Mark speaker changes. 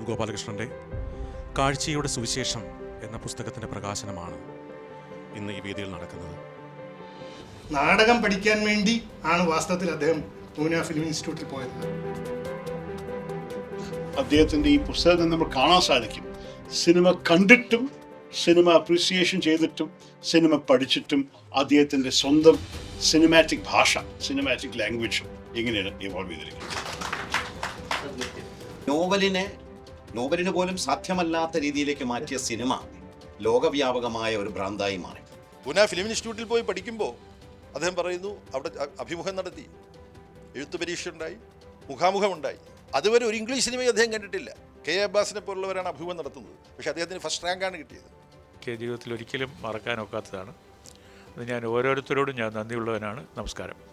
Speaker 1: അടൂർ ഗോപാലകൃഷ്ണൻ്റെ കാഴ്ചയുടെ സുവിശേഷം എന്ന പുസ്തകത്തിൻ്റെ പ്രകാശനമാണ് ഇന്ന് ഈ വേദിയിൽ നടക്കുന്നത്.
Speaker 2: നാടകം പഠിക്കാൻ വേണ്ടി ആണ് വാസ്തവത്തിൽ അദ്ദേഹം പൂന ഫിലിം ഇൻസ്റ്റിറ്റ്യൂട്ടിൽ പോയത്.
Speaker 3: അദ്ദേഹത്തിൻ്റെ ഈ പുസ്തകത്തിൽ നമ്മൾ കാണാൻ സാധിക്കും, സിനിമ കണ്ടിട്ടും സിനിമ അപ്രീസിയേഷൻ ചെയ്തിട്ടും സിനിമ പഠിച്ചിട്ടും അദ്ദേഹത്തിൻ്റെ സ്വന്തം സിനിമാറ്റിക് ഭാഷ, സിനിമാറ്റിക് ലാംഗ്വേജും എങ്ങനെയാണ് ഇവോൾവ് ചെയ്തിരിക്കുന്നത്.
Speaker 4: നോവലിന് പോലും സാധ്യമല്ലാത്ത രീതിയിലേക്ക് മാറ്റിയ സിനിമ ലോകവ്യാപകമായ ഒരു ഭ്രാന്തായി മാറി.
Speaker 5: പൂന ഫിലിം ഇൻസ്റ്റിറ്റ്യൂട്ടിൽ പോയി പഠിക്കുമ്പോൾ അദ്ദേഹം പറയുന്നു, അവിടെ അഭിമുഖം നടത്തി, എഴുത്തു പരീക്ഷ ഉണ്ടായി, മുഖാമുഖമുണ്ടായി. അതുവരെ ഒരു ഇംഗ്ലീഷ് സിനിമയും അദ്ദേഹം കണ്ടിട്ടില്ല. കെ അബ്ബാസിനെ പോലുള്ളവരാണ് അഭിമുഖം നടത്തുന്നത്. പക്ഷേ അദ്ദേഹത്തിന് ഫസ്റ്റ് റാങ്കാണ് കിട്ടിയത്.
Speaker 6: ജീവിതത്തിൽ ഒരിക്കലും മറക്കാനൊക്കാത്തതാണ്. അത് ഞാൻ ഓരോരുത്തരോടും ഞാൻ നന്ദിയുള്ളവനാണ്. നമസ്കാരം.